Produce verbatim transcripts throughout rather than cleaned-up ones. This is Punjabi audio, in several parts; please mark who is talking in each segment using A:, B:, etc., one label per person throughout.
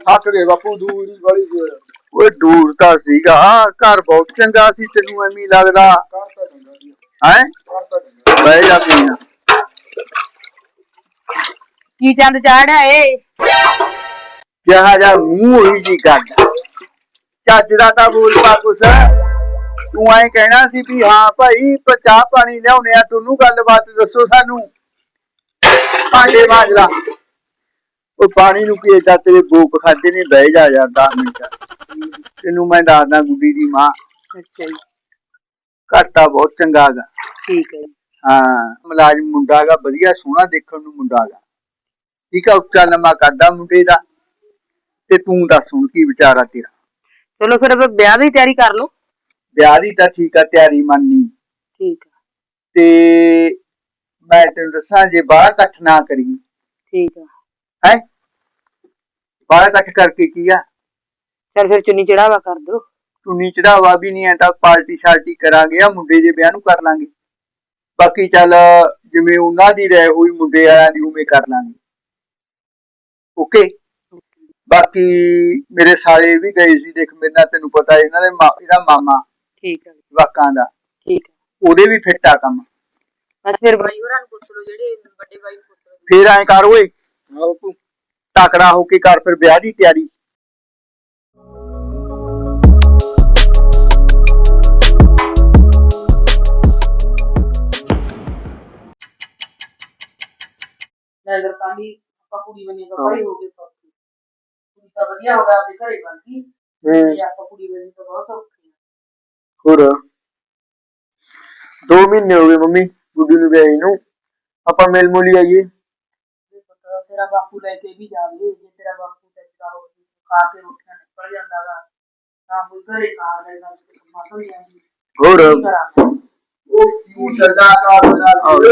A: थक गए बापू दूर ही बड़ी दूर
B: ओए दूर तां सीगा घर बहुत चंगा सी तेनू एवें लगदा है बह जा पीना
C: की चंद चाढ़ा है
B: ਕਿਹਾ ਜਾ ਮੂੰਹ ਉਹੀ ਜੀ ਕਰਦਾ ਚੱਜ ਦਾ ਤਾਂ ਬੋਲ ਪਾ ਕੁਛ ਤੂੰ ਐਂ ਕਹਿਣਾ ਸੀ ਵੀ ਹਾਂ ਭਾਈ ਚਾਹ ਪਾਣੀ ਲਿਆਉਣੇ ਆ ਤੁਹਾਨੂੰ ਗੱਲਬਾਤ ਦੱਸੋ ਸਾਨੂੰ ਭਾਂਡੇ ਮਾਂਜ ਲਾ ਉਹ ਪਾਣੀ ਨੂੰ ਕੀ ਏਦਾਂ ਤੇਰੇ ਬੋਕ ਖਾਦੇ ਨੇ ਬਹਿ ਜਾ ਯਾਰ ਦਸ ਮਿੰਟ ਤੈਨੂੰ ਮੈਂ ਦੱਸਦਾ ਗੁੱਡੀ ਦੀ ਮਾਂ
C: अच्छा जी
B: ਘਾਟਾ ਬਹੁਤ ਚੰਗਾ ਗਾ
C: ठीक है
B: ਹਾਂ ਮੁਲਾਜ਼ਮ ਮੁੰਡਾ ਗਾ ਵਧੀਆ ਸੋਹਣਾ ਦੇਖਣ ਨੂੰ ਮੁੰਡਾ ਗਾ ਠੀਕ ਆ ਉੱਚਾ ਲੰਮਾ ਕਰਦਾ ਮੁੰਡੇ ਦਾ ਤੇ ਤੂੰ ਦੱਸ ਹੁਣ ਕੀ ਵਿਚਾਰਾ ਤੇਰਾ
C: चलो फिर अब ब्याह की तैयारी कर लो
B: ਵਿਆਹ ਦੀ ਤਾਂ ਠੀਕ ਆ ਤਿਆਰੀ ਮੰਨਨੀ
C: ठीक है
B: ਤੇ ਮੈਂ ਤੈਨੂੰ ਦੱਸਾਂ ਜੇ ਬਾਹਰ ਇਕੱਠ ਨਾ ਕਰੀ
C: ठीक है
B: ਹੈ ਬਾਹਰ ਇਕੱਠ ਕਰਕੇ ਕੀ ਆ
C: चल फिर चुन्नी चढ़ावा कर दो
B: ਚੁੰਨੀ ਚੜਾਵਾ ਵੀ ਨਹੀਂ ਐ ਤਾਂ ਪਾਰਟੀ ਸ਼ਾਰਟੀ ਕਰਾਂਗੇ ਆ ਮੁੰਡੇ ਦੇ ਵਿਆਹ ਨੂੰ ਕਰ ਲਾਂਗੇ ਬਾਕੀ ਚੱਲ ਜਿਵੇਂ ਉਹਨਾਂ ਦੀ ਰਹਿ ਹੋਈ ਮੁੰਡੇ ਵਾਲਿਆਂ ਦੀ ਉਵੇਂ ਕਰ ਲਾਂਗੇ ਓਕੇ ਬਾਕੀ ਮੇਰੇ ਸਾਲੇ ਵੀ ਗਏ ਸੀ ਦੇਖ ਮੇਰੇ ਨਾਲ ਤੈਨੂੰ ਪਤਾ ਇਹਨਾਂ ਦੇ ਇਹਦਾ ਮਾਮਾ
C: ठीक है
B: ਜਵਾਕਾਂ ਦਾ
C: ठीक है
B: ਉਹਦੇ ਵੀ ਫਿੱਟ ਆ ਕੰਮ
C: बस फिर भाई होरां नु पुछ लो जेडे बड़े भाई नु पुछ लो
B: ਫੇਰ ਐਂ ਕਰ ਓਏ
A: हाँ बापू
B: ਤਕੜਾ ਹੋ ਕੇ ਕਰ ਫਿਰ ਵਿਆਹ ਦੀ ਤਿਆਰੀ
C: नगर पानी कुड़ी बनी तो बड़ी हो गई सब कुड़ी तो बढ़िया होगा आपके घरे बन गई ये आपका कुड़ी बनी तो बहुत सौखी है
B: ਹੋਰ ਦੋ ਮਹੀਨੇ ਹੋ ਗਏ ਮੰਮੀ ਗੁੱਡੀ ਨੂੰ ਵਿਆਹੀ ਨੂੰ ਆਪਾਂ ਮਿਲ ਮੁਲੀ ਆਈਏ
C: तो तेरा बापू लेके भी जावे जे तेरा बापू तेरा हो खा के रोटियां निकल जांदा वा ना कोई घरे खा लेगा तो मातम जांदी
B: ਹੋਰ
A: वो क्यों चला का बना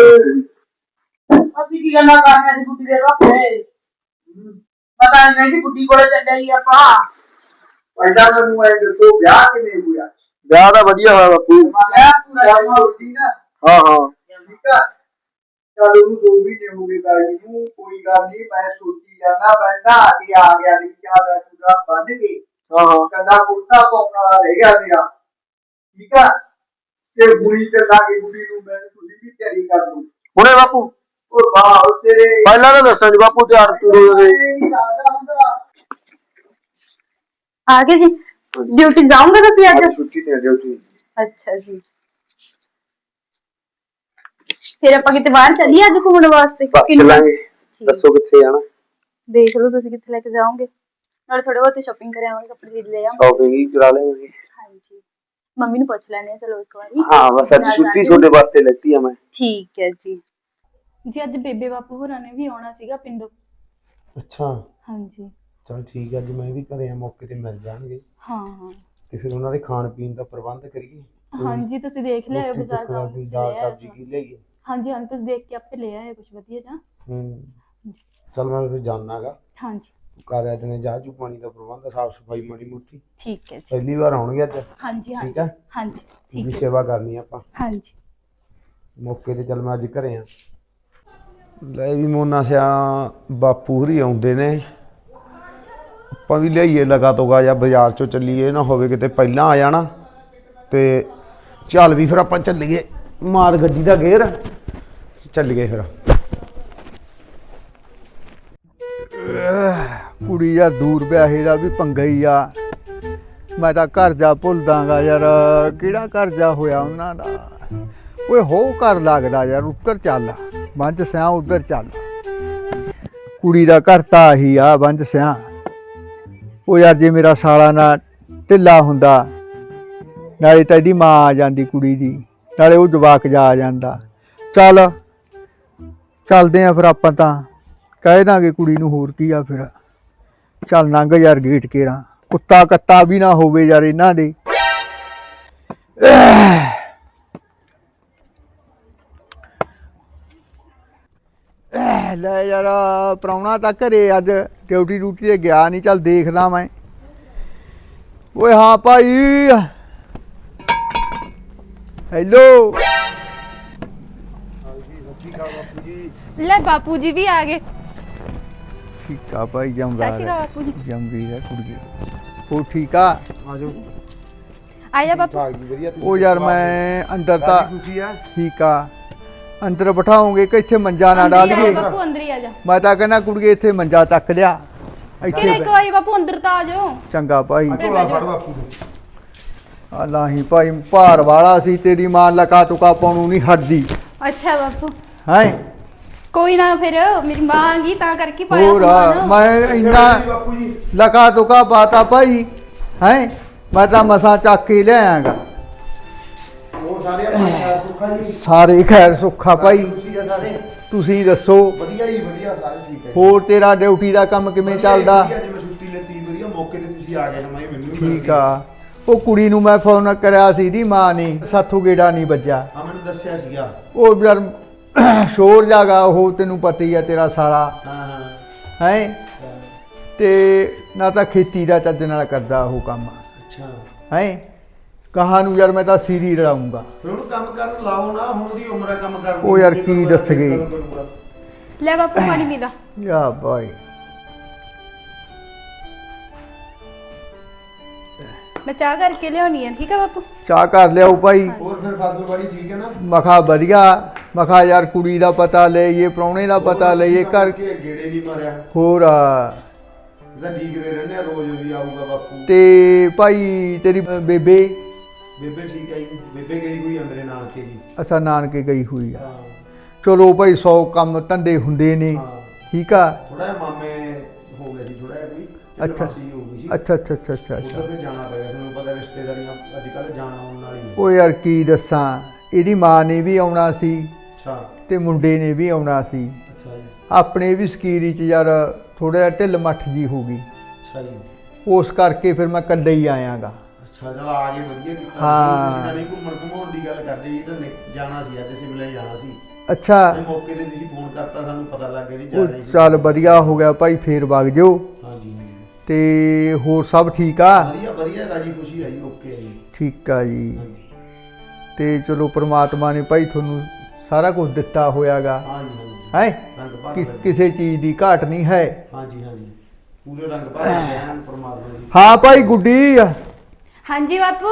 C: ਅਸੀਂ ਕੀ ਗੱਲਾਂ ਕਰਨੀਆਂ ਸੀ ਗੁੱਡੀ ਦੇ ਰੱਖੇ ਪਤਾ ਨਹੀਂ ਕਿ ਗੁੱਡੀ ਕੋਲੇ ਚੱਲਿਆ ਹੀ ਆਪਾਂ
B: ਪਹਿਲਾਂ ਮੈਨੂੰ ਇਹ ਦੱਸੋ ਵਿਆਹ ਕਿਵੇਂ ਹੋਇਆ ਵਿਆਹ ਦਾ ਵਧੀਆ ਹੋਇਆ ਬਾਪੂ
A: मैं पूरा होती ना
B: ਹਾਂ ਹਾਂ
A: ठीक है चल ਉਹਨੂੰ ਦੋ ਮਹੀਨੇ ਹੋ ਗਏ ਗਾਈ ਨੂੰ ਕੋਈ ਗੱਲ ਨਹੀਂ ਮੈਂ ਸੋਚੀ ਜਾਂਦਾ ਮੈਂ ਨਹਾ ਕੇ ਆ ਗਿਆ ਦੀ ਚਾਹ ਦਾ ਚੂੜਾ ਬੰਨ ਕੇ
B: ਹਾਂ ਹਾਂ
A: ਕੱਲਾ ਕੁੜਤਾ ਪਾਉਣ ਵਾਲਾ ਰਹਿ ਗਿਆ ਮੇਰਾ ਠੀਕ ਆ ਤੇ ਬੁਰੀ ਚੱਲਾਂਗੇ ਬੁਰੀ ਨੂੰ ਮੈਂ ਤੁਸੀਂ ਵੀ ਤਿਆਰੀ ਕਰ ਲਓ
B: ਹੁਣੇ ਬਾਪੂ
A: ਉਹ ਵਾਹ ਤੇਰੇ
B: ਪਹਿਲਾਂ ਤਾਂ ਦੱਸਾਂ ਜੀ ਬਾਪੂ ਤਿਆਰ ਤੁਰ ਹੋਵੇ
D: आ गए जी ड्यूटी जाऊंगा तुसी अज
B: ਛੁੱਟੀ ਤੇ ਡਿਊਟੀ
D: अच्छा जी फिर ਆਪਾਂ ਕਿਤੇ ਬਾਹਰ ਚੱਲੀਏ ਅੱਜ ਘੁੰਮਣ ਵਾਸਤੇ
B: ਚੱਲਾਂਗੇ ਦੱਸੋ ਕਿੱਥੇ ਜਾਣਾ
D: ਦੇਖ ਲਓ ਤੁਸੀਂ ਕਿੱਥੇ ਲੈ ਕੇ ਜਾਓਗੇ ਨਾਲ ਥੋੜੇ ਬਹੁਤੇ ਸ਼ਾਪਿੰਗ ਕਰ ਆਵਾਂਗੇ ਕੱਪੜੇ ਲੈ ਆਵਾਂਗੇ
B: ਸ਼ਾਪਿੰਗ ਹੀ ਕਰਾ ਲੈਂਗੇ
D: ਹਾਂਜੀ ਮੰਮੀ ਨੂੰ ਪੁੱਛ ਲੈਣੇ ਚਲੋ ਇੱਕ ਵਾਰੀ
B: ਹਾਂ ਬਸ ਅੱਜ ਛੁੱਟੀ ਤੁਹਾਡੇ ਵਾਸਤੇ ਲੈਤੀ ਆ ਮੈਂ
D: ਠੀਕ ਹੈ ਜੀ ਜੀ ਅੱਜ ਬੇਬੇ ਬਾਪੂ ਹੋਰਾਂ ਨੇ ਵੀ ਆਉਣਾ ਸੀਗਾ ਪਿੰਡੋਂ
E: ਅੱਛਾ
D: ਹਾਂਜੀ
E: ਚਲ ਠੀਕ ਹੈ ਅੱਜ ਮੈਂ ਵੀ ਘਰੇ ਆ ਮੌਕੇ ਤੇ ਮਿਲ ਜਾਣਗੇ
D: ਹਾਂ ਹਾਂ
E: ਤੇ ਫਿਰ ਉਹਨਾਂ ਦੇ ਖਾਣ ਪੀਣ ਦਾ ਪ੍ਰਬੰਧ ਕਰੀਏ
D: ਹਾਂਜੀ ਤੁਸੀਂ ਦੇਖ ਲਿਆਓ ਬਾਜ਼ਾਰ ਜਾਓ
E: ਕੋਈ ਦਾਲ ਸਬਜ਼ੀ ਕੀ ਲਿਆਈਏ
D: ਹਾਂਜੀ ਹਾਂ ਤੁਸੀਂ ਦੇਖ ਕੇ ਆਪੇ ਲੈ ਆਏ ਕੁਝ ਵਧੀਆ ਜਾਂ
E: ਹੂੰ ਚਲ ਮੈਂ ਫਿਰ ਜਾਣਾਗਾ
D: ਹਾਂਜੀ
E: ਕਰ ਆ ਦਿਨੇ ਚਾਹ ਚੂ ਪਾਣੀ ਦਾ ਪ੍ਰਬੰਧ ਸਾਫ ਸਫਾਈ ਮਾੜੀ ਮੋਟੀ
D: ਠੀਕ ਹੈ ਜੀ
E: ਪਹਿਲੀ ਵਾਰ ਆਉਣਗੇ ਅੱਜ
D: ਹਾਂਜੀ
E: ਠੀਕ ਹੈ
D: ਹਾਂਜੀ
E: ਪੂਰੀ
D: ਠੀਕ ਹੈ
E: ਸੇਵਾ ਕਰਨੀ ਆਪਾਂ
D: ਹਾਂਜੀ
E: ਮੌਕੇ ਤੇ ਚੱਲ ਮੈਂ ਅੱਜ ਘਰੇ ਆ ਲੈ ਵੀ ਮੋਨਾ ਸਿਆ ਬਾਪੂ ਹਰੀ ਆਉਂਦੇ ਨੇ ਆਪਾਂ ਵੀ ਲਿਆਈਏ ਲਗਾ ਤੋਗਾ ਜਾਂ ਬਾਜ਼ਾਰ ਚੋਂ ਚੱਲੀਏ ਨਾ ਹੋਵੇ ਕਿਤੇ ਪਹਿਲਾਂ ਆ ਜਾਣਾ ਤੇ ਚੱਲ ਵੀ ਫਿਰ ਆਪਾਂ ਚੱਲੀਏ ਮਾਰ ਗੱਡੀ ਦਾ ਗੇਅਰ ਚੱਲੀਏ ਫਿਰ
F: ਕੁੜੀ ਯਾਰ ਦੂਰ ਵਿਆਹੇ ਦਾ ਵੀ ਪੰਗਾ ਹੀ ਆ ਮੈਂ ਤਾਂ ਘਰ ਜਾ ਭੁੱਲਦਾਗਾ ਯਾਰ ਕਿਹੜਾ ਘਰ ਜਾ ਹੋਇਆ ਉਹਨਾਂ ਦਾ ਓਏ ਹੋ ਘਰ ਲੱਗਦਾ ਯਾਰ ਉੱਧਰ ਚੱਲ ਬੰਜ ਸਿਆਂ ਉੱਧਰ ਚੱਲ ਕੁੜੀ ਦਾ ਘਰ ਤਾਂ ਆਹੀ ਆ ਬੰਜ ਸਿਆਂ ਉਹ ਯਾਰ ਜੇ ਮੇਰਾ ਸਾਲਾ ਨਾ ਢਿੱਲਾ ਹੁੰਦਾ ਨਾਲੇ ਤਾਂ ਇਹਦੀ ਮਾਂ ਆ ਜਾਂਦੀ ਕੁੜੀ ਦੀ ਨਾਲੇ ਉਹ ਜਵਾਕ ਜਾ ਆ ਜਾਂਦਾ ਚੱਲ ਚੱਲਦੇ ਆ ਫਿਰ ਆਪਾਂ ਤਾਂ ਕਹਿ ਦਾਂਗੇ ਕੁੜੀ ਨੂੰ ਹੋਰ ਕੀ ਆ ਫਿਰ ਚੱਲ ਲੰਘ ਯਾਰ ਗੇਟ ਕੇਰਾਂ ਕੁੱਤਾ ਕੱਤਾ ਵੀ ਨਾ ਹੋਵੇ ਯਾਰ ਇਹਨਾਂ ਦੇ ਲੈ ਯਾਰ ਪ੍ਰਾਹੁਣਾ ਤਾਂ ਘਰੇ ਅੱਜ ਡਿਊਟੀ ਡਿਊਟੀ ਤੇ ਗਿਆ ਨਹੀਂ ਚੱਲ ਦੇਖਦਾ ਮੈਂ ਓਏ ਹਾਂ ਭਾਈ ਹੈਲੋ
D: ਲੈ ਬਾਪੂ ਜੀ ਵੀ ਆ ਗਏ
F: ਠੀਕ ਆ ਭਾਈ
D: ਸਤਿ
F: ਜਮਦਾ
D: ਸ਼੍ਰੀ ਅਕਾਲ ਬਾਪੂ ਜੀ।
F: ਜੰਮਦੀ ਹੈ ਕੁੜੀ ਉਹ ਠੀਕ ਆ
E: ਆਜੋ
D: ਆਇਆ ਬਾਪੂ।
E: ਠਾਕ ਜੀ ਵਧੀਆ
F: ਉਹ ਯਾਰ ਮੈਂ ਅੰਦਰ ਤਾਂ
E: ਖੁਸ਼ੀ ਆ
F: ਠੀਕ ਆ ਅੰਦਰ ਬਿਠਾਉਂਗੇ ਕਿ ਇੱਥੇ ਮੰਜਾ ਨਾ
D: ਅੰਦਰ ਹੀ ਆ ਜਾ
F: ਡਾਲੀਏ
D: ਬਾਪੂ, ਅੰਦਰ ਹੀ ਆ ਜਾ।
F: ਮੈਂ ਤਾਂ ਕਹਿੰਦਾ ਕੁੜੀਏ ਇੱਥੇ ਮੰਜਾ ਤੱਕ ਲਿਆ
D: ਕਿਹੜਾ
F: ਇੱਥੇ
D: ਇੱਕ ਵਾਰੀ ਬਾਪੂ ਅੰਦਰ ਤਾਂ ਆ ਜਾਓ।
F: ਚੰਗਾ ਭਾਈ
E: ਝੋਲਾ ਫੜ ਬਾਪੂ ਨੂੰ।
F: ਆਲਾਹੀ ਭਾਈ ਭਾਰ ਵਾਲਾ ਸੀ ਤੇਰੀ ਮਾਂ ਲਕਾ ਤੁਕਾ ਪਾਉਣੂ ਨਹੀਂ ਹਟਦੀ
D: ਅੱਛਾ ਬਾਪੂ
F: ਹੈ
D: ਕੋਈ ਨਾ, ਫਿਰ ਮੇਰੀ ਮਾਂ ਆ ਗਈ ਤਾਂ ਕਰਕੇ ਪਾਇਆ
F: ਹੋਰ ਆ,
D: ਸਮਾਨ।
F: ਮੈਂ ਇੰਨਾ
E: ਬਾਪੂ ਜੀ
F: ਲਕਾ ਤੁਕਾ ਪਾਤਾ ਭਾਈ ਹੈ ਮੈਂ ਤਾਂ ਮਸਾਂ ਚੱਕ ਕੇ ਲਿਆਂਗਾ
E: ਹੋਰ ਸਾਰੇ ਆਪਣੇ ਖੈਰ ਸੁੱਖਾ ਜੀ
F: ਸਾਰੇ ਖੈਰ ਸੁੱਖਾ ਭਾਈ
E: ਖੁਸ਼ੀ ਆ ਸਾਰੇ
F: ਤੁਸੀਂ ਦੱਸੋ
E: ਵਧੀਆ ਜੀ ਵਧੀਆ ਸਾਰੇ ਠੀਕ ਹੈ ਜੀ।
F: ਹੋਰ ਤੇਰਾ ਡਿਊਟੀ ਦਾ ਕੰਮ ਕਿਵੇਂ
E: ਵਧੀਆ
F: ਚੱਲਦਾ
E: ਜੀ, ਅੱਜ ਮੈਂ ਛੁੱਟੀ ਲੈਤੀ ਵਧੀਆ ਮੌਕੇ ਤੇ ਤੁਸੀਂ ਆ ਗਏ ਨਾ ਮੈਂ ਮੈਨੂੰ ਵੀ
F: ਠੀਕ ਆ ਉਹ ਕੁੜੀ ਨੂੰ ਮੈਂ ਫੋਨ ਕਰਿਆ ਸੀ ਦੀ ਮਾਂ ਨੇ ਸਾਥੋਂ ਗੇੜਾ ਨਹੀਂ ਵੱਜਾ
E: ਹਾਂ ਮੈਨੂੰ ਦੱਸਿਆ ਸੀਗਾ
F: ਉਹ ਯਾਰ ਸ਼ੋਰ ਜਾਗਾ ਉਹ ਤੈਨੂੰ ਪਤਾ ਹੀ ਆ ਤੇਰਾ ਸਾਲਾ
E: ਹਾਂ ਹਾਂ
F: ਹੈ ਤੇ ਨਾ ਤਾਂ ਖੇਤੀ ਦਾ ਚੱਜ ਨਾਲ ਕਰਦਾ ਉਹ ਕੰਮ
E: ਅੱਛਾ
F: ਹੈ ਕਹਾਂ ਨੂੰ ਯਾਰ ਮੈਂ ਤਾਂ ਸੀਰੀ ਰਲਾਉਂਗਾ
E: ਫਿਰ ਉਹਨੂੰ ਕੰਮ ਕਰਨ ਲਾਓ ਨਾ ਹੁਣ ਉਹਦੀ ਉਮਰ ਹੈ ਕੰਮ ਕਰਨ ਦੀ।
F: ਉਹ ਯਾਰ ਕੀ ਦੱਸ ਗਈ।
D: ਲੈ ਬਾਪੂ ਪਾਣੀ ਪੀ ਲਾ।
F: ਯਾ ਭਾਈ
D: ਮੈਂ ਚਾਹ ਕਰਕੇ ਲਿਆਉਣੀ ਆ, ਠੀਕ ਆ ਬਾਪੂ।
F: ਚਾਹ ਕਰ ਲਿਆਓ ਭਾਈ
E: ਹੋਰ ਫਿਰ ਫਸਲ ਬਾੜੀ ਠੀਕ ਹੈ ਨਾ
F: ਮਖਾ ਵਧੀਆ ਮਖਾ ਯਾਰ ਕੁੜੀ ਦਾ ਪਤਾ ਲਈਏ ਪ੍ਰਾਹੁਣੇ ਦਾ ਪਤਾ ਲਈਏ ਘਰ
E: ਕੇ ਗੇੜੇ ਨਹੀਂ ਮਾਰਿਆ
F: ਹੋਰ ਆ
E: ਇਹਦਾ ਡੀਕਦੇ ਰਹਿੰਦੇ ਆ ਰੋਜ਼ ਵੀ ਆਊਗਾ ਬਾਪੂ
F: ਤੇ ਭਾਈ ਤੇਰੀ ਬੇਬੇ
E: ਬੇਬੇ ਠੀਕ ਹੈ ਜੀ ਬੇਬੇ ਗਈ ਹੋਈ ਅੰਦਰੇ ਨਾਲ ਕੇ ਜੀ
F: ਅਸਾਂ ਨਾਨਕੇ ਗਈ ਹੋਈ ਆ
E: ਹਾਂ
F: ਚਲੋ ਭਾਈ ਸੌ ਕੰਮ ਧੰਦੇ ਹੁੰਦੇ ਨੇ
E: ਹਾਂ
F: ਠੀਕ ਆ
E: ਥੋੜਾ ਜਿਹਾ ਮਾਮੇ ਹੋ ਗਿਆ ਜੀ ਥੋੜਾ ਜਿਹਾ ਕੋਈ
F: ਅੱਛਾ।
E: ਅੱਛਾ ਹੋ ਗਈ ਸੀ
F: ਅੱਛਾ ਅੱਛਾ ਅੱਛਾ ਅੱਛਾ ਅੱਛਾ
E: ਉਧਰ ਤੇ ਜਾਣਾ ਪਿਆ ਤੁਹਾਨੂੰ ਪਤਾ ਰਿਸ਼ਤੇਦਾਰੀਆਂ ਅੱਜ ਕੱਲ ਜਾਣਾ ਆਉਣ ਵਾਲੀ ਹੈ
F: ਉਹ ਯਾਰ ਕੀ ਦੱਸਾਂ ਇਹਦੀ ਮਾਂ ਨੇ ਵੀ ਆਉਣਾ ਸੀ
E: ਅੱਛਾ
F: ਤੇ ਮੁੰਡੇ ਨੇ ਵੀ ਆਉਣਾ ਸੀ
E: ਅੱਛਾ ਜੀ
F: ਆਪਣੇ ਵੀ ਸਕੀਰੀ ਚ ਯਾਰ ਥੋੜਾ ਜਿਹਾ ਢਿੱਲ ਮੱਠ ਜੀ ਹੋ ਗਈ
E: ਅੱਛਾ ਜੀ
F: ਉਸ ਕਰਕੇ ਫਿਰ ਮੈਂ ਇਕੱਲੇ ਹੀ ਆਇਆਗਾ
E: ਅੱਛਾ ਚਲ ਆ ਗਏ ਵਧੀਆ ਕੀਤਾ
F: ਹਾਂ।
E: ਤੁਸੀਂ ਤਾਂ ਨਹੀਂ ਘੁੰਮਣ ਘੁੰਮਾਉਣ ਦੀ ਗੱਲ ਕਰਦੇ ਜੀ ਤਾਂ ਨਿਕ- ਜਾਣਾ ਸੀ ਅੱਜ ਸਿਮਲੇ ਜਾਣਾ ਸੀ
F: ਅੱਛਾ
E: ਤੇ ਮੌਕੇ ਤੇ ਤੁਸੀਂ ਫੋਨ ਕਰਤਾ ਸਾਨੂੰ ਪਤਾ ਲੱਗ ਗਿਆ ਨਹੀਂ
F: ਉਹ
E: ਜਾਣਾ ਸੀ
F: ਚੱਲ ਵਧੀਆ ਹੋ ਗਿਆ ਭਾਈ ਫੇਰ ਵਗ ਜਾਓ
E: ਹਾਂਜੀ ਹਾਂਜੀ
F: ਤੇ ਹੋਰ ਸਭ ਠੀਕ ਆ
E: ਵਧੀਆ ਵਧੀਆ ਰਾਜੀ ਖੁਸ਼ੀ ਆਈ ਓਕੇ ਜੀ
F: ਠੀਕ ਆ ਜੀ
E: ਹਾਂਜੀ
F: ਤੇ ਚਲੋ ਪ੍ਰਮਾਤਮਾ ਨੇ ਭਾਈ ਤੁਹਾਨੂੰ ਸਾਰਾ ਕੁਝ ਦਿੱਤਾ ਹੋਇਆਗਾ
E: ਹਾਂਜੀ ਹਾਂਜੀ
F: ਹੈ
E: ਰੰਗ ਭਰ
F: ਕਿਸ
E: ਲੱਗੇ।
F: ਕਿਸੇ ਚੀਜ਼ ਦੀ ਘਾਟ ਨਹੀਂ ਹੈ
E: ਹਾਂਜੀ ਹਾਂਜੀ ਪੂਰੇ ਰੰਗ ਭਰ ਲੱਗੇ ਹਨ ਪਰਮਾਤਮਾ ਦੀ
F: ਹਾਂ ਭਾਈ ਗੁੱਡੀ
D: ਹਾਂਜੀ ਬਾਪੂ।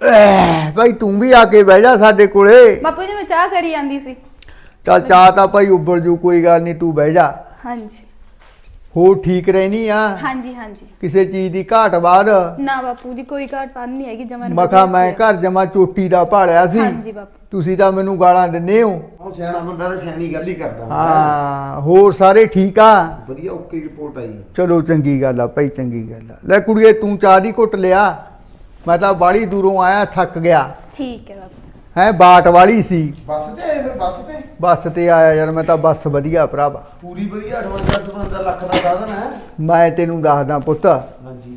F: ਐ, ਭਾਈ ਤੂੰ ਵੀ ਆ ਕੇ ਬਹਿ ਜਾ ਸਾਡੇ ਕੋਲੇ
D: ਬਾਪੂ ਜੀ ਮੈਂ ਚਾਹ ਕਰੀ ਜਾਂਦੀ ਸੀ।
F: ਚੱਲ ਚਾਹ ਤਾਂ ਭਾਈ ਉੱਬਲ ਜੂ ਕੋਈ ਗੱਲ ਨਹੀਂ ਤੂੰ ਬਹਿ ਜਾ
D: ਹਾਂਜੀ
F: ਹੋਰ ਠੀਕ ਰਹਿਣੀ ਆ
D: ਹਾਂਜੀ ਹਾਂਜੀ।
F: ਕਿਸੇ ਚੀਜ਼ ਦੀ ਘਾਟ ਬਾਅਦ
D: ਨਾ ਬਾਪੂ ਜੀ ਕੋਈ ਘਾਟ ਪਾਣ ਨਹੀਂ ਹੈਗੀ ਜਮਾ।
F: ਮਖਾ ਮੈਂ ਘਰ ਜਮਾ ਚੋਟੀ ਦਾ ਭਾਲਿਆ ਸੀ
D: ਹਾਂਜੀ ਬਾਪੂ।
F: ਤੁਸੀਂ ਤਾਂ ਮੈਨੂੰ ਗਾਲਾਂ ਦਿੰਦੇ ਹੋ
E: ਉਹ ਸਿਆਣਾ ਬੰਦਾ ਤਾਂ ਸਿਆਣੀ ਗੱਲ ਹੀ ਕਰਦਾ ਹੁੰਦਾ।
F: ਹਾਂ ਹੋਰ ਸਾਰੇ ਠੀਕ ਆ
E: ਵਧੀਆ ਓਕੇ ਰਿਪੋਰਟ ਆਈ
F: ਚਲੋ ਚੰਗੀ ਗੱਲ ਆ ਭਾਈ ਚੰਗੀ ਗੱਲ ਆ ਲੈ ਕੁੜੀਏ ਤੂੰ ਚਾਹ ਦੀ ਘੁੱਟ ਲਿਆ ਮੈਂ ਤਾਂ ਬਾੜੀ ਦੂਰੋਂ ਆਇਆ ਥੱਕ ਗਿਆ
D: ਠੀਕ ਹੈ ਬਾਪੂ।
F: ਹੈ ਬਾਟ ਵਾਲੀ ਸੀ
E: ਬੱਸ ਤੇ ਆਏ ਫਿਰ ਬੱਸ ਤੇ
F: ਬੱਸ ਤੇ ਆਇਆ ਯਾਰ ਮੈਂ ਤਾਂ ਬੱਸ ਵਧੀਆ ਭਰਾਵਾ
E: ਪੂਰੀ ਵਧੀਆ ਅਠਵੰਜਾ ਸਤਵੰਜਾ ਲੱਖ ਦਾ ਸਾਧਨ ਹੈ
F: ਮੈਂ ਤੈਨੂੰ ਦੱਸਦਾ ਪੁੱਤ
E: ਹਾਂਜੀ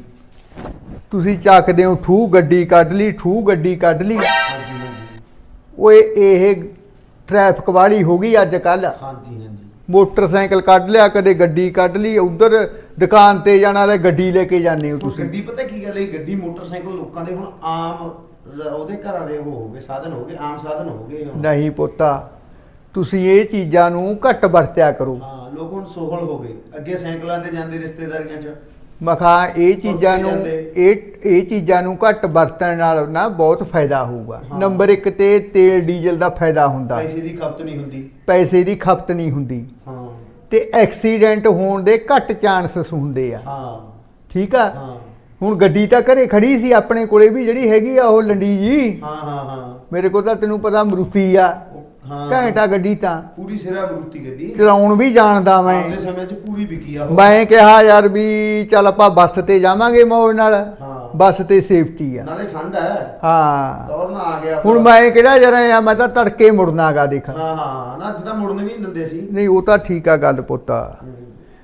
F: ਤੁਸੀਂ ਚੱਕਦੇ ਹੋ ਠੂ ਗੱਡੀ ਕੱਢ ਲਈ ਠੂ ਗੱਡੀ ਕੱਢ ਲਈ
E: ਹਾਂਜੀ ਹਾਂਜੀ
F: ਓਏ ਇਹ ਟ੍ਰੈਫਿਕ ਵਾਲੀ ਹੋ ਗਈ ਅੱਜ ਕੱਲ
E: ਹਾਂਜੀ ਹਾਂਜੀ
F: ਮੋਟਰਸਾਈਕਲ ਕੱਢ ਲਿਆ ਕਦੇ ਗੱਡੀ ਕੱਢ ਲਈ ਉਧਰ ਦੁਕਾਨ ਤੇ ਜਾਣਾ ਤੇ ਗੱਡੀ ਲੈ ਕੇ ਜਾਂਦੇ ਹੋ
E: ਉਹ
F: ਤੁਸੀਂ
E: ਗੱਡੀ ਪਤਾ ਕੀ ਗੱਲ ਹੈ ਗੱਡੀ ਮੋਟਰਸਾਈਕਲ ਲੋਕਾਂ ਦੇ ਹੁਣ ਆਮ ਰ- ਉਹਦੇ ਘਰਾਂ ਦੇ ਉਹ ਹੋ ਗਏ ਸਾਧਨ ਹੋ ਗਏ ਆਮ ਸਾਧਨ ਹੋ ਗਏ ਹੁਣ
F: ਨਹੀਂ ਪੁੱਤਾ ਤੁਸੀਂ ਇਹ ਚੀਜ਼ਾਂ ਨੂੰ ਘੱਟ ਵਰਤਿਆ ਕਰੋ
E: ਹਾਂ ਲੋਕ ਹੁਣ ਸੋਹਲ ਹੋ ਗਏ ਅੱਗੇ ਸਾਈਕਲਾਂ ਤੇ ਜਾਂਦੇ ਰਿਸ਼ਤੇਦਾਰੀਆਂ 'ਚ
F: ਮਖਾ ਇਹ ਚੀਜ਼ਾਂ ਨੂੰ
E: ਜਾਂਦੇ।
F: ਇਹ ਇਹ ਚੀਜ਼ਾਂ ਨੂੰ ਘੱਟ ਵਰਤਣ ਨਾਲ ਨਾ ਬਹੁਤ ਫਾਇਦਾ ਹੋਊਗਾ
E: ਹਾਂ।
F: ਨੰਬਰ ਇੱਕ ਤੇ ਤੇਲ ਡੀਜ਼ਲ ਦਾ ਫਾਇਦਾ ਹੁੰਦਾ
E: ਪੈਸੇ ਦੀ ਖਪਤ ਨਹੀਂ ਹੁੰਦੀ
F: ਪੈਸੇ ਦੀ ਖਪਤ ਨਹੀਂ ਹੁੰਦੀ
E: ਹਾਂ
F: ਤੇ ਐਕਸੀਡੈਂਟ ਹੋਣ ਦੇ ਘੱਟ ਚਾਂਸਸ ਹੁੰਦੇ ਆ
E: ਹਾਂ
F: ਠੀਕ ਆ
E: ਹਾਂ
F: ਹੁਣ ਗੱਡੀ ਤਾਂ ਘਰੇ ਖੜੀ ਸੀ ਆਪਣੇ ਕੋਲੇ ਵੀ ਜਿਹੜੀ ਹੈਗੀ ਆ ਉਹ ਲੰਡੀ ਜੀ
E: ਹਾਂ ਹਾਂ ਹਾਂ
F: ਮੇਰੇ ਕੋਲ ਤਾਂ ਤੈਨੂੰ ਪਤਾ ਮਰੂਤੀ ਆ
E: ਉਹ- ਹਾਂ
F: ਘੰਟਾ ਗੱਡੀ ਤਾਂ
E: ਪੂਰੀ ਸਿਰਾ ਬਰੂਤੀ ਗੱਡੀ
F: ਚਲਾਉਣ ਵੀ ਜਾਣਦਾ ਮੈਂ
E: ਆਪਦੇ ਸਮੇਂ 'ਚ ਪੂਰੀ ਵਿਕੀ ਆ ਉਹ।
F: ਮੈਂ ਕਿਹਾ ਯਾਰ ਵੀ ਚੱਲ ਆਪਾਂ ਬੱਸ ਤੇ ਜਾਵਾਂਗੇ ਮੌਜ ਨਾਲ
E: ਹਾਂ
F: ਬੱਸ ਤੇ ਸੇਫਟੀ ਆ
E: ਨਾਲੇ ਠੰਡ ਹੈ
F: ਹਾਂ
E: ਦੌਰ ਨਾ ਆ ਗਿਆ
F: ਹੁਣ ਮੈਂ ਕਿਹੜਾ ਜਰਾ ਆ ਮੈਂ ਤਾਂ ਤੜਕੇ ਮੁੜਨਾਗਾ ਦੇਖ
E: ਹਾਂ ਹਾਂ ਨਾ ਅੱਜ ਤਾਂ ਮੁੜਨ ਵੀ ਨਹੀਂ ਦਿੰਦੇ ਸੀ
F: ਨਹੀਂ ਉਹ ਤਾਂ ਠੀਕ ਆ ਗੱਲ ਪੁੱਤ
E: ਹੂੰ।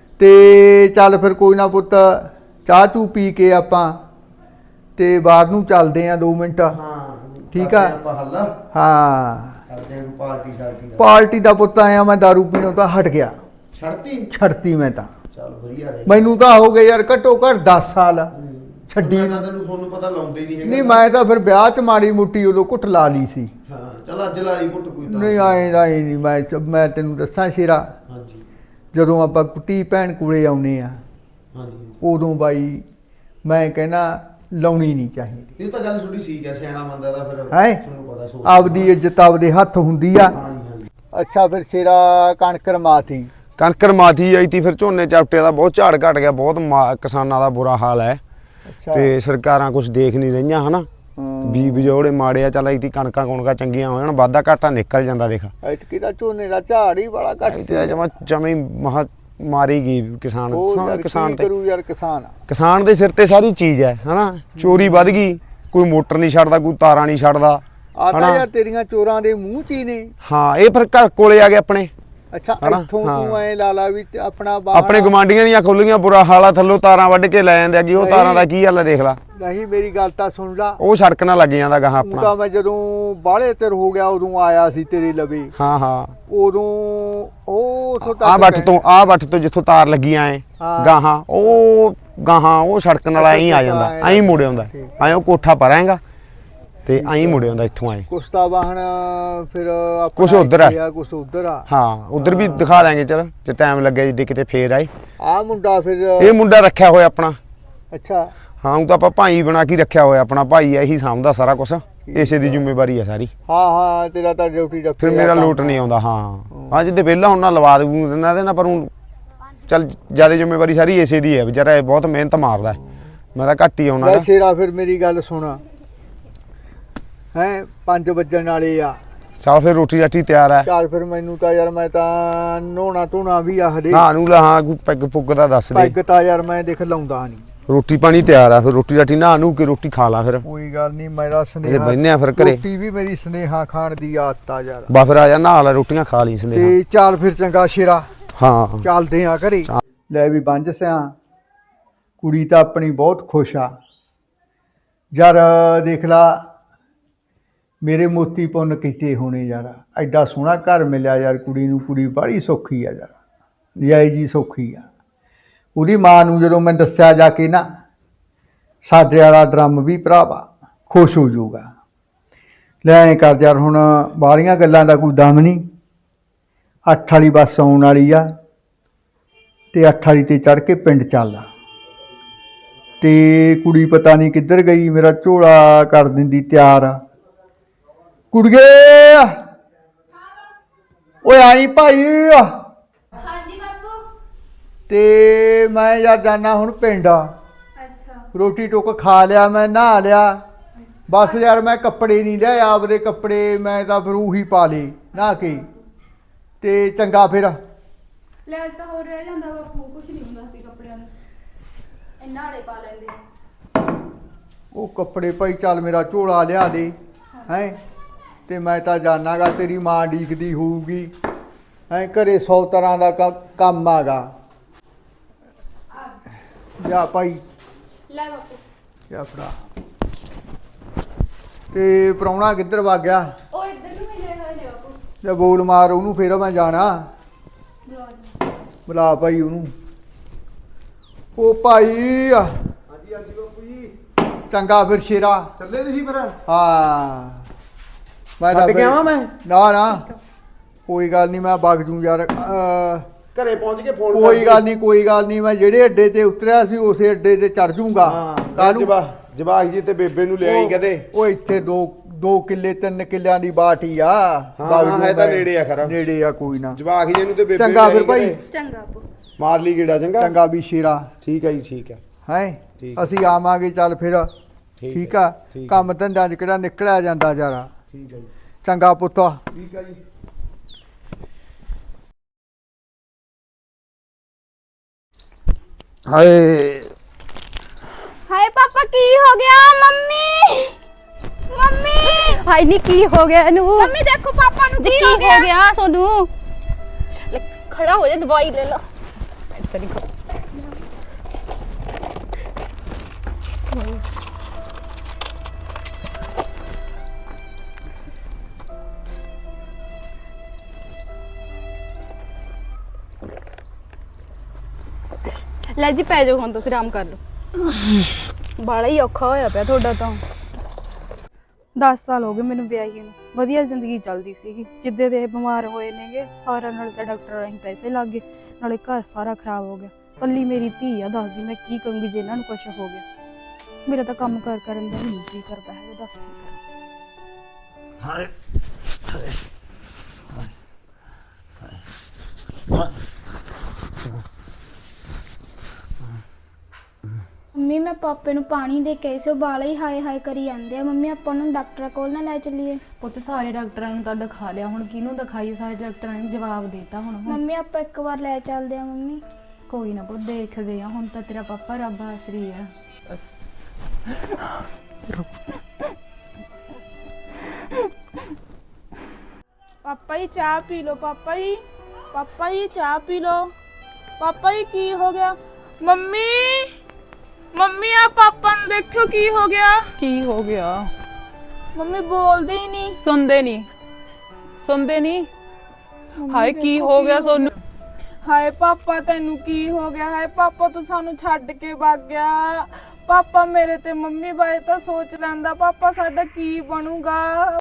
F: ਤੇ ਚੱਲ ਫਿਰ ਕੋਈ ਨਾ ਪੁੱਤ ਚਾਹ ਚੂ ਪੀ ਕੇ ਆਪਾਂ ਤੇ ਬਾਹਰ ਨੂੰ ਚੱਲਦੇ ਆ ਦੋ ਮਿੰਟ
E: ਹਾਂ
F: ਠੀਕ
E: ਕਰਦੇ
F: ਆ।
E: ਆਪਾਂ ਹੱਲ
F: ਹਾਂ
E: ਕਰਦੇ ਆਂ ਪਾਰਟੀ ਸ਼ਾਰਟੀ ਦਾ
F: ਪਾਰਟੀ ਦਾ ਪੁੱਤ ਆਇਆ ਮੈਂ ਦਾਰੂ ਪੀਣੋਂ ਤਾਂ ਹਟ ਗਿਆ
E: ਛੱਡਤੀ
F: ਛੱਡਤੀ ਮੈਂ ਤਾਂ
E: ਚੱਲ ਵਧੀਆ ਰਹੇ
F: ਮੈਨੂੰ ਤਾਂ ਹੋ ਗਏ ਯਾਰ ਘੱਟੋ ਘੱਟ ਦਸ ਸਾਲ ਛੱਡੀ
E: ਮੈਂ ਤਾਂ ਤੈਨੂੰ ਤੁਹਾਨੂੰ ਪਤਾ ਲਾਉਂਦੇ ਹੀ ਨਹੀਂ ਹੈਗਾ
F: ਨਹੀਂ ਮੈਂ ਤਾਂ ਫਿਰ ਵਿਆਹ 'ਚ ਮਾੜੀ ਮੁੱਟੀ ਉਦੋਂ ਘੁੱਟ ਲਾ ਲਈ ਸੀ
E: ਹਾਂ ਚੱਲ ਅੱਜ ਲਾਲੀ ਪੁੱਟ ਕੋਈ ਤਾਂ
F: ਨਹੀਂ ਆਏ ਆਏ ਨਹੀਂ ਮੈਂ ਮੈਂ ਤੈਨੂੰ ਦੱਸਾਂ ਸ਼ੇਰਾ
E: ਹਾਂਜੀ
F: ਜਦੋਂ ਆਪਾਂ ਕੁੱਟੀ ਭੈਣ ਕੋਲੇ ਆਉਨੇ ਆ
E: ਹਾਂਜੀ
F: ਉਦੋਂ ਬਾਈ ਮੈਂ ਕਹਿੰਦਾ ਲਾਉਣੀ ਨਹੀਂ ਚਾਹੀਦੀ।
E: ਇਹ ਤਾਂ ਗੱਲ ਥੋੜੀ ਠੀਕ ਹੈ, ਸਿਆਣਾ ਬੰਦਾ ਦਾ ਫਿਰ
F: ਹੈਂ?
E: ਤੁਹਾਨੂੰ ਪਤਾ ਸੋਚ
F: ਆਪਦੀ ਇੱਜ਼ਤ ਆਪਦੇ ਹੱਥ ਹੁੰਦੀ ਆ।
E: ਹਾਂਜੀ ਹਾਂਜੀ।
F: ਅੱਛਾ ਫਿਰ ਸ਼ੇਰਾ ਕਣਕ ਰਮਾਤੀ
E: ਕਣਕ ਮਾਥੀ ਆਈ ਤੀ, ਫਿਰ ਝੋਨੇ ਚਾਪਟੇ ਦਾ ਬਹੁਤ ਝਾੜ ਘਟ ਗਿਆ, ਬਹੁਤ ਮਾ- ਕਿਸਾਨਾਂ ਦਾ ਬੁਰਾ ਹਾਲ ਹੈ
F: ਅੱਛਾ
E: ਤੇ ਸਰਕਾਰਾਂ ਕੁਝ ਦੇਖ ਨਹੀਂ ਰਹੀਆਂ ਹਨਾ।
F: ਹਮ।
E: ਬੀ ਬਜੋੜੇ ਮਾੜੇ ਆ, ਚੱਲ ਇਤੀ ਕਣਕਾਂ ਕੁਣਕਾਂ ਚੰਗੀਆਂ ਹੋ ਜਾਣ, ਵਾਧਾ ਘਾਟਾ ਨਿਕਲ ਜਾਂਦਾ ਦੇਖ।
F: ਐਤਕੀ ਦਾ ਝੋਨੇ ਦਾ ਝਾੜ ਹੀ ਬੜਾ ਘੱਟ
E: ਤੇ ਜਮਾ ਜਮੀ ਮਹਾ ਮਾਰੀ ਗਈ ਕਿਸਾਨ
F: ਉਹ
E: ਸਾ-
F: ਯਾਰ
E: ਕਿਸਾਨ
F: ਕੀ
E: ਤੇ
F: ਕਰੂ ਯਾਰ ਕਿਸਾਨ।
E: ਕਿਸਾਨ ਦੇ ਸਿਰ ਤੇ ਸਾਰੀ ਚੀਜ਼ ਹੈ ਹਨਾ। ਚੋਰੀ ਵੱਧ ਗਈ, ਕੋਈ ਮੋਟਰ ਨਹੀਂ ਛੱਡਦਾ, ਕੋਈ ਤਾਰਾਂ ਨਹੀਂ ਛੱਡਦਾ
F: ਆ ਤਾਂ
E: ਹਨਾ।
F: ਯਾਰ ਤੇਰੀਆਂ ਚੋਰਾਂ ਦੇ ਮੂੰਹ ਚ ਹੀ ਨੇ।
E: ਹਾਂ ਇਹ ਫਿਰ ਘਰ ਕੋਲੇ ਆ ਗਏ ਆਪਣੇ
F: ਅੱਛਾ
E: ਹਨਾ?
F: ਇੱਥੋਂ
E: ਹਾਂ।
F: ਤੂੰ ਐ ਲਾ ਲਾ ਵੀ ਤੇ ਆਪਣਾ ਬਾਹਰ
E: ਆਪਣੇ ਗਵਾਂਡੀਆਂ ਦੀਆਂ ਖੁੱਲੀਆਂ ਬੁਰਾ ਹਾਲ ਆ, ਥੱਲੋਂ ਤਾਰਾਂ ਵੱਢ ਕੇ ਲੈ ਜਾਂਦੇ ਆ ਕਿ ਉਹ
F: ਨਹੀਂ।
E: ਤਾਰਾਂ ਦਾ ਕੀ ਹਾਲ ਹੈ ਦੇਖ ਲਾ।
F: ਨਹੀਂ ਮੇਰੀ ਗੱਲ ਤਾਂ ਸੁਣ ਲਾ।
E: ਉਹ ਸੜਕ ਨਾਲ ਲੱਗ ਜਾਂਦਾ ਗਾਹਾਂ
F: ਤੂੰ ਤਾਂ
E: ਆਪਣਾ।
F: ਮੈਂ ਜਦੋਂ ਬਾਹਲੇ ਚਿਰ ਹੋ ਗਿਆ ਉਦੋਂ ਆਇਆ ਸੀ ਤੇਰੇ ਲਵੇ।
E: ਹਾਂ ਹਾਂ
F: ਉਦੋਂ ਉਹ ਉੱਥੋਂ ਤੱਕ
E: ਆ ਬੱਠ
F: ਗਏ।
E: ਤੋਂ ਆ ਬੱਠ ਤੋਂ ਜਿੱਥੋਂ ਤਾਰ ਲੱਗੀਆਂ ਐ
F: ਹਾਂ।
E: ਗਾਹਾਂ ਉਹ ਗਾਹਾਂ ਉਹ ਸੜਕ ਨਾਲ ਐਂ ਆ ਜਾਂਦਾ, ਐਂ ਮੁੜ ਆਉਂਦਾ, ਐਂ ਉਹ ਕੋਠਾ ਪਰਾਂਗਾ ਤੇ ਐਂ ਮੁੜ ਆਉਂਦਾ ਇੱਥੋਂ ਐਂ।
F: ਕੁਸਤਾ ਵਾਹਣ ਫਿਰ ਆਪਣਾ
E: ਕੁਛ ਉੱਧਰ ਆ।
F: ਇੱਥੇ ਆ ਕੁਛ ਉਧਰ ਆ।
E: ਹਾਂ ਉਧਰ ਵੀ ਦਿਖਾ ਦਾਂਗੇ, ਚਲ ਜੇ ਟਾਈਮ ਲੱਗਿਆ ਜਿੱਦੇ ਕਿਤੇ ਫੇਰ ਆਏ।
F: ਆ ਮੁੰਡਾ ਫਿਰ
E: ਇਹ ਮੁੰਡਾ ਰੱਖਿਆ ਹੋਇਆ ਆਪਣਾ।
F: ਅੱਛਾ
E: ਹਾਂ ਉਹ ਤਾਂ ਆਪਾਂ ਭਾਈ ਬਣਾ ਕੇ ਰੱਖਿਆ ਹੋਇਆ, ਆਪਣਾ ਭਾਈ ਆ, ਇਹੀ ਸਾਂਭਦਾ ਸਾਰਾ ਕੁਝ, ਇਸੇ ਦੀ ਜ਼ਿੰਮੇਵਾਰੀ ਹੈ ਸਾਰੀ।
F: ਹਾਂ ਹਾਂ ਤੇਰਾ ਤਾਂ ਡਿਊਟੀ ਰੱਖੀ
E: ਫਿਰ ਮੇਰਾ ਲੋਟ ਨਹੀਂ ਆਉਂਦਾ। ਹਾਂ ਹਾਂ ਜਿੱਦੇ ਵਿਹਲਾ ਹੁਣ ਨਾ ਲਵਾ ਦੂ ਇਹਨਾਂ ਦੇ ਨਾ, ਪਰ ਹੁਣ ਚੱਲ ਜਿਆਦਾ ਜ਼ਿੰਮੇਵਾਰੀ ਸਾਰੀ ਇਸੇ ਦੀ ਹੈ। ਵਿਚਾਰਾ ਇਹ ਬਹੁਤ ਮਿਹਨਤ ਮਾਰਦਾ, ਮੈਂ ਤਾਂ ਘੱਟ ਹੀ ਆਉਣਾ
F: ਲੈ ਸ਼ੇਰਾ ਫਿਰ ਮੇਰੀ ਗੱਲ ਸੁਣ ਹੈ ਪੰਜ ਵੱਜਣ ਵਾਲੇ ਆ।
E: ਚੱਲ ਫਿਰ ਰੋਟੀ ਰਾਟੀ ਤਿਆਰ ਹੈ।
F: ਚੱਲ ਫਿਰ ਮੈਨੂੰ ਤਾਂ ਯਾਰ ਮੈਂ ਤਾਂ ਨਹਾਉਣਾ ਧੋਣਾ ਵੀ ਆ ਹਲੇ।
E: ਹਾਂ ਨੂੰ ਲਾ ਹਾਂ ਕੋਈ ਪੈਗ ਪੁੱਗ ਦਾ ਦੱਸ ਦੇ।
F: ਪੈਗ ਤਾਂ ਯਾਰ ਮੈਂ ਦੇਖ ਲਾਉਂਦਾ ਨਹੀਂ।
E: ਰੋਟੀ ਪਾਣੀ ਤਿਆਰ ਆ, ਫਿਰ ਰੋਟੀ ਰਾਟੀ ਨਹਾ ਨੂੰ ਕੇ ਰੋਟੀ ਖਾ ਲਾ ਫਿਰ।
F: ਕੋਈ ਗੱਲ ਨਹੀਂ ਮੇਰਾ
E: ਇਹਦੇ
F: ਸੁਨੇਹਾ
E: ਬਹਿਨੇ ਆ ਫਿਰ ਘਰੇ।
F: ਰੋਟੀ ਵੀ ਮੇਰੀ ਸੁਨੇਹਾ ਖਾਣ ਦੀ ਆਦਤ ਆ ਯਾਰ।
E: ਬਾ ਫਿਰ ਆ ਜਾ ਨਹਾ ਲਾ, ਰੋਟੀਆਂ ਖਾ ਲਈ ਸੰਦੇ।
F: ਤੇ ਚੱਲ ਫਿਰ ਚੰਗਾ ਸ਼ੇਰਾ
E: ਹਾਂ
F: ਚੱਲਦੇ ਆ ਘਰੇ। ਲੈ ਵੀ ਬੰਜ ਸਿਆ ਕੁੜੀ ਤਾਂ ਆਪਣੀ ਬਹੁਤ ਖੁਸ਼ ਆ ਯਾਰ। ਦੇਖ ਲਾ ਮੇਰੇ ਮੋਤੀ ਪੁੰਨ ਕੀਤੇ ਹੋਣੇ ਯਾਰ, ਐਡਾ ਸੋਹਣਾ ਘਰ ਮਿਲਿਆ ਯਾਰ ਕੁੜੀ ਨੂੰ। ਕੁੜੀ ਬੜੀ ਸੌਖੀ ਆ ਯਾਰ, ਨਿਆਈ ਜੀ ਸੌਖੀ ਆ। ਉਹਦੀ ਮਾਂ ਨੂੰ ਜਦੋਂ ਮੈਂ ਦੱਸਿਆ ਜਾ ਕੇ ਨਾ, ਸਾਡੇ ਵਾਲਾ ਡਰਮ ਵੀ ਭਰਾਵਾ ਖੁਸ਼ ਹੋ ਜਾਊਗਾ। ਲੈ ਐਂ ਕਰ ਯਾਰ, ਹੁਣ ਬਾਹਲੀਆਂ ਗੱਲਾਂ ਦਾ ਕੋਈ ਦਮ ਨਹੀਂ। ਅੱਠ ਵਾਲੀ ਬੱਸ ਆਉਣ ਵਾਲੀ ਆ ਤੇ ਅੱਠ ਵਾਲੀ ਤੇ ਚੜ੍ਹ ਕੇ ਪਿੰਡ ਚੱਲਦਾ। ਤੇ ਕੁੜੀ ਪਤਾ ਨਹੀਂ ਕਿੱਧਰ ਗਈ, ਮੇਰਾ ਝੋਲਾ ਕਰ ਦਿੰਦੀ ਤਿਆਰ। ਕੁੜੀਏ ਓਏ ਆਈ ਭਾਈ।
D: ਹਾਂਜੀ ਬਾਪੂ।
F: ਤੇ ਮੈਂ ਯਾਰ ਜਾਣਾ ਹੁਣ ਪਿੰਡ।
D: ਅੱਛਾ
F: ਰੋਟੀ ਟੁੱਕ ਖਾ ਲਿਆ, ਮੈਂ ਨਹਾ ਲਿਆ। ਬਸ ਯਾਰ ਮੈਂ ਕੱਪੜੇ ਨਹੀਂ ਲਿਆ, ਆਪਦੇ ਕੱਪੜੇ ਮੈਂ ਤਾਂ ਫਿਰ ਉਹੀ ਪਾ ਲਏ ਨਹਾ ਕੇ। ਤੇ ਚੰਗਾ ਫਿਰ।
D: ਲੈ ਅੱਜ ਤਾਂ ਹੋਰ ਰਹਿ ਜਾਂਦਾ ਬਾਪੂ, ਕੁਛ ਨਹੀਂ ਹੁੰਦਾ ਸੀ ਕੱਪੜਿਆਂ ਨੂੰ, ਇੰਨਾ ਨਾਲੇ ਪਾ ਲੈਂਦੇ।
F: ਉਹ ਕੱਪੜੇ ਭਾਈ ਚੱਲ ਮੇਰਾ ਝੋਲਾ ਲਿਆ ਦੇ ਹੈਂ। ਤੇ ਮੈਂ ਤਾਂ ਜਾਣਾਗਾ ਤੇਰੀ ਮਾਂ ਡੀਕਦੀ ਹੋਊਗੀ ਹੈਂ। ਘਰੇ ਸੌ ਤਰ੍ਹਾਂ ਦਾ ਕ- ਕੰਮ ਆਗਾ। ਜਾ ਭਾਈ
D: ਲੈ ਬਾਪੂ।
F: ਜਾ ਫੜਾ। ਤੇ ਪ੍ਰਾਹੁਣਾ ਕਿੱਧਰ ਵਗ ਗਿਆ?
D: ਉਹ ਇੱਧਰ ਨੂੰ ਮਿਲੇ ਹੋਏ ਨੇ ਬਾਪੂ।
F: ਤੇ ਬੋਲ ਮਾਰ ਉਹਨੂੰ, ਫੇਰ ਮੈਂ ਜਾਣਾ।
D: ਲਓ ਜੀ।
F: ਬੁਲਾ ਭਾਈ ਉਹਨੂੰ। ਉਹ ਭਾਈ
E: ਹਾਂਜੀ ਹਾਂਜੀ ਬਾਪੂ ਜੀ।
F: ਚੰਗਾ ਫਿਰ ਸ਼ੇਰਾ।
E: ਚੱਲੇ ਤੁਸੀਂ ਫਿਰ?
F: ਹਾਂ ਮੈਂ
E: ਛੱਡ ਕੇ
F: ਫਿਰ-
E: ਆਵਾਂ ਮੈਂ?
F: ਨਾ ਨਾ ਕੋਈ ਗੱਲ ਨਹੀਂ, ਮੈਂ ਵਗ ਜੂ ਯਾਰ। ਅਹ,
E: ਘਰੇ ਪਹੁੰਚ ਕੇ ਫੋਨ
F: ਕੋਈ ਗੱਲ ਨਹੀਂ ਕੋਈ ਗੱਲ ਨਹੀਂ, ਮੈਂ ਜਿਹੜੇ ਅੱਡੇ ਤੇ ਉਤਰਿਆ ਸੀ ਉਸੇ ਅੱਡੇ ਤੇ ਚੜ ਜੂੰਗਾ। ਕਾਹਨੂੰ?
E: ਜਵਾ ਜਵਾਕ ਜੀ ਤੇ ਬੇਬੇ ਨੂੰ ਲੈ ਆਈ
F: ਉਹ-
E: ਕਦੇ।
F: ਉਹ ਇੱਥੇ ਦੋ ਦੋ ਕਿੱਲੇ ਤਿੰਨ ਕਿੱਲਿਆਂ ਦੀ ਬਾਟ ਹੀ ਆ।
E: ਹਾਂ,
F: ਵਗ
E: ਹਾਂ,
F: ਜੂ
E: ਹੈ ਤਾਂ
F: ਮੈਂ।
E: ਨੇੜੇ ਆ ਖਰਾ।
F: ਨੇੜੇ ਆ ਕੋਈ ਨਾ।
E: ਜਵਾਕ ਜੀ ਨੂੰ ਤੇ ਬੇਬੇ
F: ਚੰਗਾ
E: ਨੂੰ ਲੈ
F: ਫਿਰ
E: ਆਈ
F: ਭਾਈ।
E: ਕਦੇ।
D: ਚੰਗਾ ਬਾਪੂ।
E: ਮਾਰ ਲਈ ਗੇੜਾ ਚੰਗਾ।
F: ਚੰਗਾ ਵੀ ਸ਼ੇਰਾ
E: ਠੀਕ ਹੈ ਜੀ ਠੀਕ ਹੈ।
F: ਹੈ
E: ਠੀਕ।
F: ਅਸੀਂ ਆਵਾਂਗੇ। ਚੱਲ ਫਿਰ
E: ਠੀਕ
F: ਠੀਕ
E: ਹੈ,
F: ਆ।
E: ਠੀਕ ਹੈ।
F: ਕੰਮ ਧੰਦਾ ਚ ਕਿਹੜਾ ਨਿਕਲਿਆ ਜਾਂਦਾ ਯਾਰਾ।
E: ਠੀਕ ਹੈ ਜੀ।
F: ਚੰਗਾ ਪੁੱਤ।
E: ਠੀਕ ਹੈ ਜੀ।
F: ਹਾਏ
D: ਹਾਏ ਪਾਪਾ ਕੀ ਹੋ ਗਿਆ? ਮੰਮੀ ਮੰਮੀ
G: ਹਾਈ ਨੀ ਕੀ ਹੋ ਗਿਆ ਇਹਨੂੰ?
D: ਮੰਮੀ ਦੇਖੋ ਪਾਪਾ ਨੂੰ
G: ਜੀ
D: ਕੀ
G: ਕੀ
D: ਹੋ ਗਿਆ?
G: ਹੋ ਗਿਆ ਸੋਨੂੰ? ਲੈ ਖੜਾ ਹੋ ਜਾ, ਦਵਾਈ ਲੈ ਲਾ। ਇੱਥੇ ਨਹੀਂ ਖੜਾ। ਲੈ ਜੀ ਪੈ ਜਾਓ, ਹੁਣ ਤੁਸੀਂ ਆਰਾਮ ਕਰ ਲਓ। ਬਾਲਾ ਹੀ ਔਖਾ ਹੋਇਆ ਪਿਆ ਤੁਹਾਡਾ ਤਾਂ।
D: ਦਸ ਸਾਲ ਹੋ ਗਏ ਮੈਨੂੰ ਵਿਆਹੀ ਨੂੰ, ਵਧੀਆ ਜ਼ਿੰਦਗੀ ਚੱਲਦੀ ਸੀਗੀ। ਜਿੱਦੇ ਦੇ ਇਹ ਬਿਮਾਰ ਹੋਏ ਨੇਗੇ ਸਾਰਾ ਨਾਲ ਤਾਂ ਡਾਕਟਰ ਰਾਹੀਂ ਪੈਸੇ ਲੱਗ ਗਏ, ਨਾਲੇ ਘਰ ਸਾਰਾ ਖਰਾਬ ਹੋ ਗਿਆ। ਕੱਲੀ ਮੇਰੀ ਧੀ ਆ, ਦੱਸਦੀ ਮੈਂ ਕੀ ਕਹੂੰਗੀ ਜੇ ਇਹਨਾਂ ਨੂੰ ਕੁਛ ਹੋ ਗਿਆ। ਮੇਰਾ ਤਾਂ ਕੰਮ ਕਾਰ ਕਰਨ ਦਾ ਨਹੀਂ ਜੀ ਕਰਦਾ ਹੈ, ਦੱਸ ਕੀ ਕਰਾਂ।
E: ਹਾਏ
H: ਮੰਮੀ ਮੈਂ ਪਾਪੇ ਨੂੰ ਪਾਣੀ ਦੇ ਕੇ ਸੋ ਬਾਲਾ ਹੀ ਹਾਏ ਹਾਏ ਕਰੀ ਜਾਂਦੇ ਆ। ਮੰਮੀ ਆਪਾਂ ਨੂੰ ਡਾਕਟਰ ਕੋਲ ਨਾ ਲੈ ਚੱਲੀਏ।
D: ਪੁੱਤ ਸਾਰੇ ਡਾਕਟਰਾਂ ਨੂੰ ਤਾਂ ਦਿਖਾ ਲਿਆ, ਹੁਣ ਕਿਹਨੂੰ ਦਿਖਾਈਏ? ਸਾਰੇ ਡਾਕਟਰਾਂ ਨੇ ਜਵਾਬ ਦੇਤਾ ਹੁਣ ਹੁਣ
H: ਮੰਮੀ ਆਪਾਂ ਇੱਕ ਵਾਰ ਲੈ ਚੱਲਦੇ ਆ। ਮੰਮੀ
D: ਕੋਈ ਨਾ ਪੁੱਤ, ਦੇਖਦੇ ਆ। ਹੁਣ ਤਾਂ ਤੇਰਾ ਪਾਪਾ ਰੱਬ ਆਸਰੀ ਆ।
I: ਪਾਪਾ ਜੀ ਚਾਹ ਪੀ ਲਓ। ਪਾਪਾ ਜੀ ਪਾਪਾ ਜੀ ਚਾਹ ਪੀ ਲਓ। ਪਾਪਾ ਜੀ ਕੀ ਹੋ ਗਿਆ? ਮੰਮੀ ਮੰਮੀ ਆ ਪਾਪਾ ਨੂੰ ਦੇਖੋ ਕੀ ਹੋ ਗਿਆ।
C: ਕੀ ਹੋ ਗਿਆ?
I: ਮੰਮੀ ਬੋਲਦੇ ਹੀ ਨਹੀਂ।
C: ਸੁਣਦੇ ਨਹੀਂ ਸੁਣਦੇ ਨਹੀਂ ਹਾਏ ਕੀ ਹੋ ਗਿਆ ਸੋਨੂੰ?
I: ਹਾਏ ਪਾਪਾ ਤੈਨੂੰ ਕੀ ਹੋ ਗਿਆ? ਹਾਏ ਪਾਪਾ ਤੂੰ ਸਾਨੂੰ ਛੱਡ ਕੇ ਭੱਗ ਗਿਆ। ਪਾਪਾ ਮੇਰੇ ਤੇ ਮੰਮੀ ਬਾਰੇ ਤਾਂ ਸੋਚ ਲੈਂਦਾ। ਪਾਪਾ ਸਾਡਾ ਕੀ ਬਣੂਗਾ?